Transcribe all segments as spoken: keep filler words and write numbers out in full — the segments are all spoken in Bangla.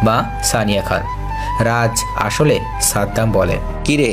মা সানিয়া খান। রাজ আসলে সাদ্দাম বলে। কিরে,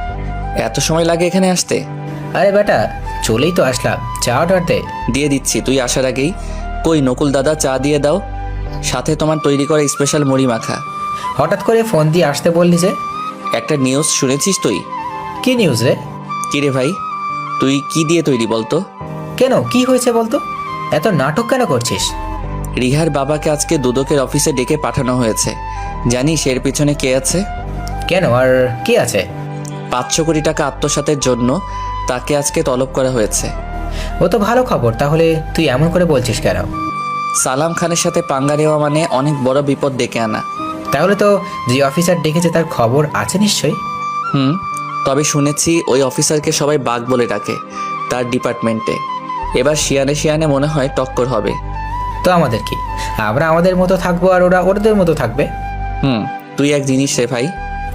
এত সময় লাগে এখানে আসতে? আরে বেটা, চলেই তো আসলাম, চা অর্ডার দে। দিয়ে দিচ্ছি, তুই আসার আগেই। কই নকুল দাদা, চা দিয়ে দাও, সাথে তোমার তৈরি করা স্পেশাল মুড়ি মাখা। হঠাৎ করে ফোন দিয়ে আসতে বললি যে? একটা নিউজ শুনেছিস তুই? কি নিউজ রে? কিরে ভাই, তুই কি দিয়ে তৈরি বলতো? কেন, কি হয়েছে বলতো? এত নাটক কেন করছিস? রিহার বাবাকে আজকে দুদকের অফিসে ডেকে পাঠানো হয়েছে। জানিস এর পিছনে কে আছে? কেন, আর কি আছে? পাঁচশো কোটি টাকা আত্মসাতের জন্য তাকে আজকে তলব করা হয়েছে। ও তো ভালো খবর, তাহলে তুই এমন করে বলছিস কেন? সালাম খানের সাথে পাঙ্গা নেওয়া মানে অনেক বড় বিপদ ডেকে আনা। তাহলে তো যে অফিসার ডেকেছে তার খবর আছে নিশ্চয়ই। হুম, তবে শুনেছি ওই অফিসারকে সবাই বাঘ বলে ডাকে তার ডিপার্টমেন্টে। এবার শিয়ানে শিয়ানে মনে হয় টক্কর হবে। তো আমাদের কি? আমরা আমাদের মতো থাকবো আর ওরা ওদের মতো থাকবে। হুম, তুই এক জিনিস রে ভাই।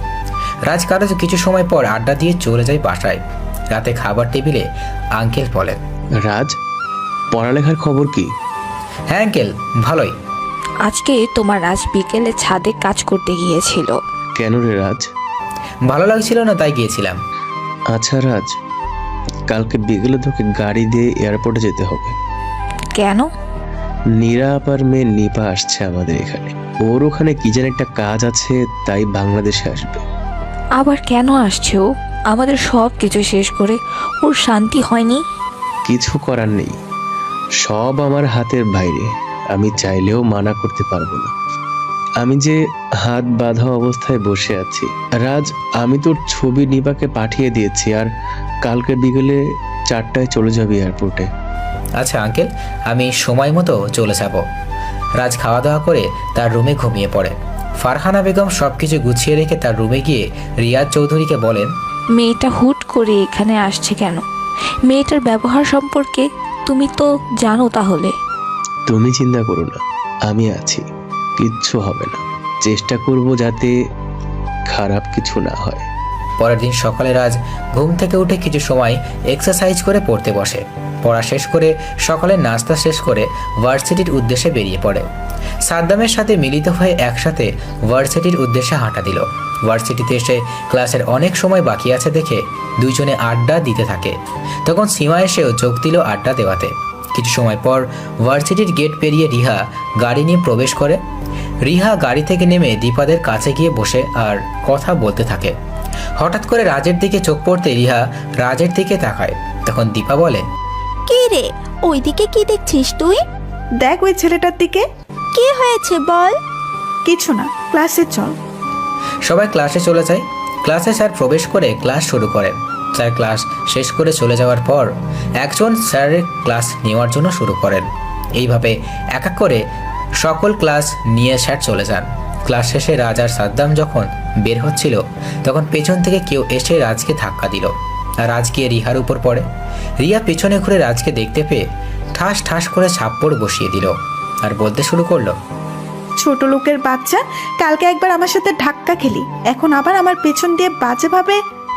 রাজ কারো কিছু সময় পর আড্ডা দিয়ে চলে যায় বাসায়। রাতে খাবার টেবিলে আঙ্কেল বলেন, রাজ, পড়ালেখার খবর কি? হ্যাঁ আঙ্কেল, ভালোই। আজকে তোমার রাজ বিকেলে ছাদে কাজ করতে গিয়েছিল। কেন রে রাজ? ভালো লাগছিল না তাই গিয়েছিলাম। আচ্ছা রাজ, কালকে বিকেলে তোকে গাড়ি দিয়ে এয়ারপোর্টে যেতে হবে। কেন? নীরা আপার মেয়ে নিপা আসছে আমাদের এখানে। ওর ওখানে কি যেন একটা কাজ আছে, তাই বাংলাদেশে আসবে। আবার কেন আসছে ও? আমাদের সব কিছু শেষ করে ওর শান্তি হয়নি? কিছু করার নেই, সব আমার হাতের বাইরে। আমি চাইলেও মানা করতে পারবো না। আমি যে হাত বাঁধা অবস্থায় বসে আছি। রাজ, আমি তোর ছবি নিপাকে পাঠিয়ে দিয়েছি, আর কালকে বিকেলে চারটায় চলে যাবি এয়ারপোর্টে। আচ্ছা আঙ্কেল, আমি সময় মতো চলে যাব। রাজ খাওয়া দাওয়া করে তার রুমে ঘুমিয়ে পড়ে। ফারহানা বেগম সব কিছু গুছিয়ে রেখে তার রুমে গিয়ে রিয়াজ চৌধুরীকে বলেন, মেয়েটা হুট করে এখানে আসছে কেন? মেয়েটার ব্যবহার সম্পর্কে তুমি তো জানো। তাহলে তুমি চিন্তা করো না, আমি আছি, কিচ্ছু হবে না। চেষ্টা করব যাতে খারাপ কিছু না হয়। পরের দিন সকালে রাজ ঘুম থেকে উঠে কিছু সময় এক্সারসাইজ করে পড়তে বসে। পড়া শেষ করে সকালে নাস্তা শেষ করে ভার্সিটির উদ্দেশ্যে বেরিয়ে পড়ে। সাদ্দামের সাথে মিলিত হয়ে একসাথে ভার্সিটির উদ্দেশ্যে হাঁটা দিল। ভার্সিটিতে এসে ক্লাসের অনেক সময় বাকি আছে দেখে দুইজনে আড্ডা দিতে থাকে। তখন সীমা এসেও যোগ দিল আড্ডা দেওয়াতে। কিছু সময় পর ভার্সিটির গেট পেরিয়ে রিহা গাড়ি নিয়ে প্রবেশ করে। রিহা গাড়ি থেকে নেমে দীপাদের কাছে গিয়ে বসে আর কথা বলতে থাকে। হঠাৎ করে রাজের দিকে চোখ পড়তে রিহা রাজের দিকে তাকায়। তখন দীপা বলে, কি রে, ওইদিকে কি দেখছিস তুই? দেখ ওই ছেলেটার দিকে। কি হয়েছে বল। কিছু না, ক্লাসে চল। সবাই ক্লাসে চলে যায়। ক্লাসে স্যার প্রবেশ করে ক্লাস শুরু করেন। স্যার ক্লাস শেষ করে চলে যাওয়ার পর একজন স্যারের ক্লাস নেওয়ার জন্য শুরু করেন। এইভাবে এক এক করে সকল ক্লাস নিয়ে স্যার চলে যান। ক্লাস শেষে রাজ আর সাদ্দাম যখন বের হচ্ছিল তখন পেছন থেকে কেউ এসে রাজকে ধাক্কা দিল আর রাজ গিয়ে রিহার উপর পড়ে। রিয়া পেছনে ঘুরে রাজকে দেখতে পেয়ে ঠাস ঠাস করে ছাপ্পড় বসিয়ে দিল আর বলতে শুরু করলো, ছোট লোকের বাচ্চা, কালকে একবার আমার সাথে ধাক্কা খেলি, এখন আবার আমার পেছন দিয়ে বাজে ভাবে।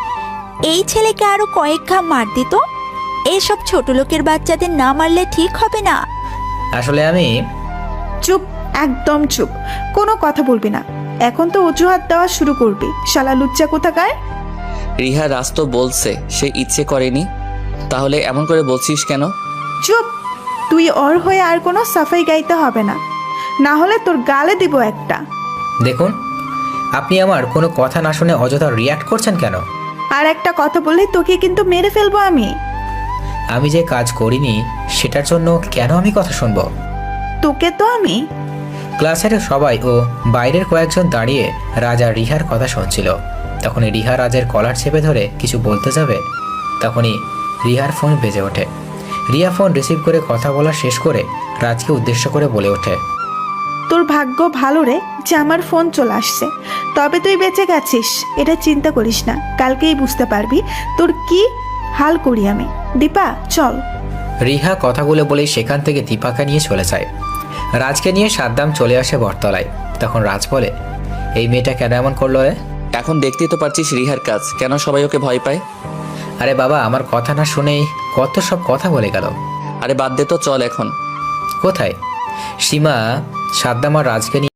এই ছেলেকে আরো কয়েক ঘা মার দিত। এইসব ছোট লোকের বাচ্চাদের না মারলে ঠিক হবে না। আসলে আমি। চুপ, একদম চুপ, কোনো কথা বলবি না। এখন তো অজুহাত দেওয়া শুরু করবি, শালা লুচ্চা কোথাকার। রিহা রাজ তো বলছে সে ইচ্ছে করেনি, তাহলে এমন করে বলছিস কেন? চুপ, তুই ওর হয়ে আর কোনো সাফাই গাইতে হবে না, না হলে তোর গালে দিব একটা। দেখুন, আপনি আমার কোনো কথা না শুনে অযথা রিয়াক্ট করছেন কেন? আর একটা কথা বললে তোকে কিন্তু মেরে ফেলবো আমি। আমি যে কাজ করিনি সেটার জন্য কেন আমি কথা শুনবো? তোকে তো আমি। ক্লাসের সবাই ও বাইরের কয়েকজন দাঁড়িয়ে রাজা রিহার কথা শুনছিল। তখনই রিহা রাজের কলার চেপে ধরে কিছু বলতে যাবে, তখনই রিহার ফোন বেজে ওঠে। রিয়া ফোন রিসিভ করে কথা বলা শেষ করে রাজকে উদ্দেশ্য করে বলে ওঠে, তোর ভাগ্য ভালো রে যে আমার ফোন চলে আসছে, তবে তুই বেঁচে গেছিস, এটা চিন্তা করিস না, কালকেই বুঝতে পারবি তোর কি হাল করি আমি। দীপা চল। রিহা কথাগুলো বলেই সেখান থেকে দীপাকে নিয়ে চলে যায়। রাজকে নিয়ে সাদ্দাম চলে আসে বটতলায়। তখন রাজ বলে, এই মেয়েটা কেন এমন করলো রে? এখন দেখতেই তো পারছিস রিহার কাজ, কেন সবাই ওকে ভয় পায়। আরে বাবা, আমার কথা না শুনেই কত সব কথা বলে গেল। আরে বাদ দে তো, চল এখন। কোথায়? সীমা সাদ্দাম আর রাজকে নিয়ে